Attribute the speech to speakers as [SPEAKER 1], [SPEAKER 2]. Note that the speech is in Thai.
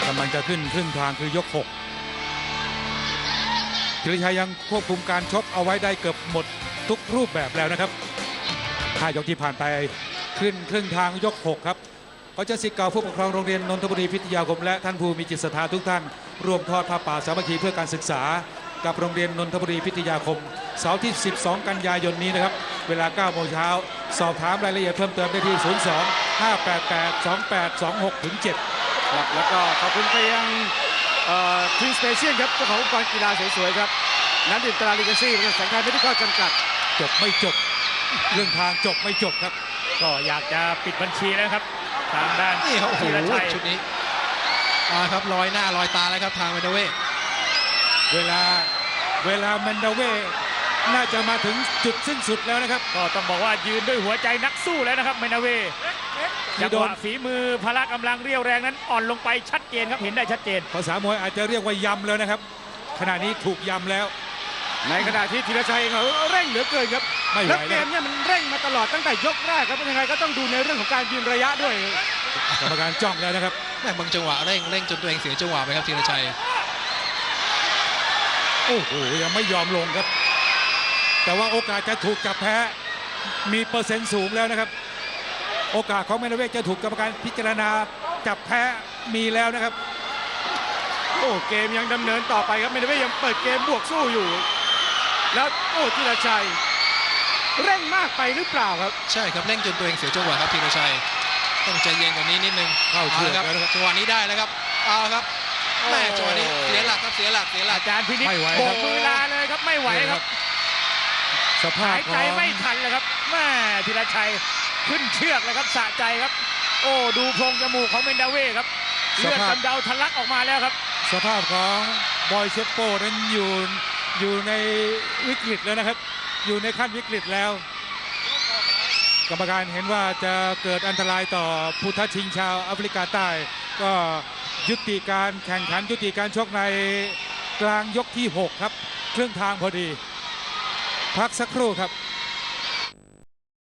[SPEAKER 1] กำลังจะขึ้นครึ่งทางคือยก6ธีรชัยยังควบคุมการชกเอาไว้ได้เกือบหมดทุกรูปแบบแล้วนะครับ5 ยกที่ผ่านไปขึ้นครึ่งทางยก6ครับก็จะศิษย์เก่าผู้ปกครองโรงเรียนนนทบุรีพิทยาคมและท่านผู้มีจิตศรัทธาทุกท่านร่วมทอดผ้าป่าสามัคคีเพื่อการศึกษากับโรงเรียนนนทบุรีพิทยาคมเสาร์ที่ 12 กันยายนนี้นะครับเวลา 9 โมงเช้าสอบถามรายละเอียดเพิ่มเติมได้ที่ 02-588-2827
[SPEAKER 2] ครับแล้วก็ขอบคุณไปยังทีมสเปเชียลครับเจ้าของอุปกรณ์กีฬาสวยๆครับน้ำดื่มตราลิกาซี่บริษัทสังกัดไม่ได้ข้อจำกัด
[SPEAKER 1] จบไม่จบเรื่องทางจบไม่จบครับ
[SPEAKER 3] ก็อยากจะปิดบัญชีแล้วครับทางด้าน
[SPEAKER 4] นี่ครับโอ้โห
[SPEAKER 3] ธีรชัย
[SPEAKER 4] ชุดนี้ครับลอยหน้าลอยตาแล้วครับทางเมนเดเว
[SPEAKER 1] เวลาแมนดาเว่น่าจะมาถึงจุดสิ้นสุดแล้วนะครับ
[SPEAKER 3] ก็ต้องบอกว่ายืนด้วยหัวใจนักสู้แล้วนะครับเมนาเวจังหวะฝีมือพละกำลังเรียวแรงนั้นอ่อนลงไปชัดเจนครับเห็นได้ชัดเจน
[SPEAKER 1] ภาษามวยอาจจะเรียกว่ายำแล้วนะครับขณะนี้ถูกยำแล้ว
[SPEAKER 2] ในขณะที่ธีรชัยเขาเร่งเหลือเกินครับแล้วเกมเนี่ยมันเร่งมาตลอดตั้งแต่ยกแรกครับเป็นยังไงก็ต้องดูในเรื่องของการยืนระยะด้วย
[SPEAKER 1] กรรมการจ้องแล้วนะครับ
[SPEAKER 4] แม่บางจังหวะเร่งจนตัวเองเสียจังหวะไปครับธีรชัย
[SPEAKER 1] โอ้โหยังไม่ยอมลงครับแต่ว่าโอกาสจะถูกจับแพ้มีเปอร์เซ็นต์สูงแล้วนะครับโอกาสของเมนเวจะถูกกรรมการพิจารณาจับแพ้มีแล้วนะครับ
[SPEAKER 2] โอ้เกมยังดำเนินต่อไปครับเมนเวยังเปิดเกมบวกสู้อยู่แล้วโอ้ธีรชัยเร่งมากไปหรือเปล่าครับ
[SPEAKER 4] ใช่ครับเร่งจนตัวเองเสียจังหวะครับธีรชัยต้องใจเย็นกว่านี้นิดนึง
[SPEAKER 1] เข้าเชือก
[SPEAKER 4] ครับจังหวะนี้ได้แล้วครับเอาครับแม่จังหวะนี้เสียหลักครับเสียหลัก
[SPEAKER 3] อาจารย์พินิจโบกมือลาเลยครับไม่ไหวครับ
[SPEAKER 1] สภาพ
[SPEAKER 3] หายใจไม่ทันเลยครับแม่ธีรชัยขึ้นเชือกเลยครับสะใจครับโอ้ดูโพรงจมูกของเมนดาเว่ครับเลือดกำเดาทะลักออกมาแล้วครับ
[SPEAKER 1] สภาพของบอยเชฟโปนั้นอยู่ในวิกฤตแล้วนะครับอยู่ในขั้นวิกฤตแล้วกรรมการเห็นว่าจะเกิดอันตรายต่อผู้ท้าชิงชาวแอฟริกาใต้ก็ยุติการแข่งขันยุติการชกในกลางยกที่6ครับครึ่งทางพอดีพักสักครู่ครับ